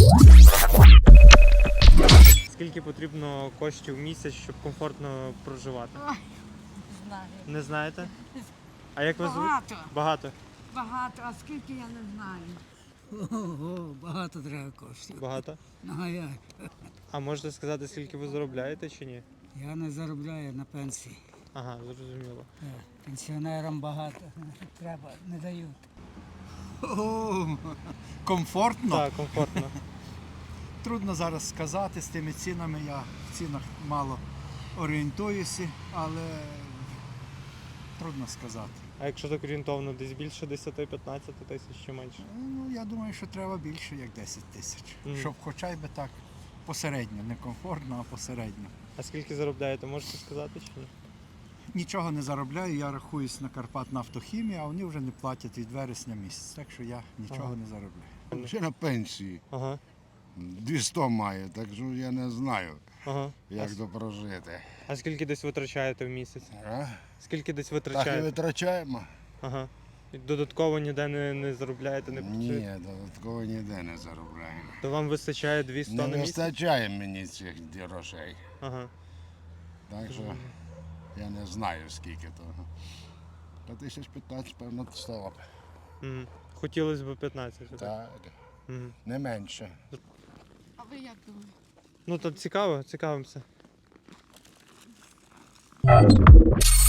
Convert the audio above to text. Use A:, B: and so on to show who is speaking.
A: Скільки потрібно коштів в місяць, щоб комфортно проживати?
B: Ой, знаю.
A: Не знаєте? А як вас звуть?
B: Багато.
A: Багато.
B: Багато, а скільки я не знаю.
C: Ого, багато треба коштів.
A: Багато.
C: Ну, а як?
A: А можете сказати, скільки ви заробляєте чи ні?
C: Я не заробляю на пенсії.
A: Ага, зрозуміло.
C: Пенсіонерам багато треба, не дають.
D: Комфортно.
A: Так, комфортно.
D: Трудно зараз сказати з тими цінами. Я в цінах мало орієнтуюся, але трудно сказати.
A: А якщо так орієнтовно, десь більше 10-15 тисяч чи менше?
D: Ну, я думаю, що треба більше, як 10 тисяч.
A: Мгм.
D: Щоб хоча б так посередньо, не комфортно, а посередньо.
A: А скільки заробляєте, можете сказати чи ні?
D: Нічого не заробляю, я рахуюсь на Карпатнафтохімії, а вони вже не платять від вересня місяць, так що я нічого
A: Ага.
D: не заробляю.
E: Ще на пенсії.
A: Ага,
E: 200 має, так що я не знаю,
A: ага.
E: як то прожити.
A: А скільки десь витрачаєте в місяць?
E: А?
A: Скільки десь
E: Так і
A: витрачаєте?
E: витрачаємо?
A: Ага. І додатково ніде не заробляєте, не працюєте?
E: Ні, додатково ніде не заробляємо.
A: То вам вистачає 200
E: Не
A: на місяць?
E: вистачає мені цих грошей.
A: Ага.
E: Так що я не знаю скільки того. Та 1015, певно, стало б.
A: Угу. Хотілося б 15. Так?
E: Так,
A: Угу.
E: не менше.
B: А ви як думаєте?
A: Ну то цікаво, цікавимося.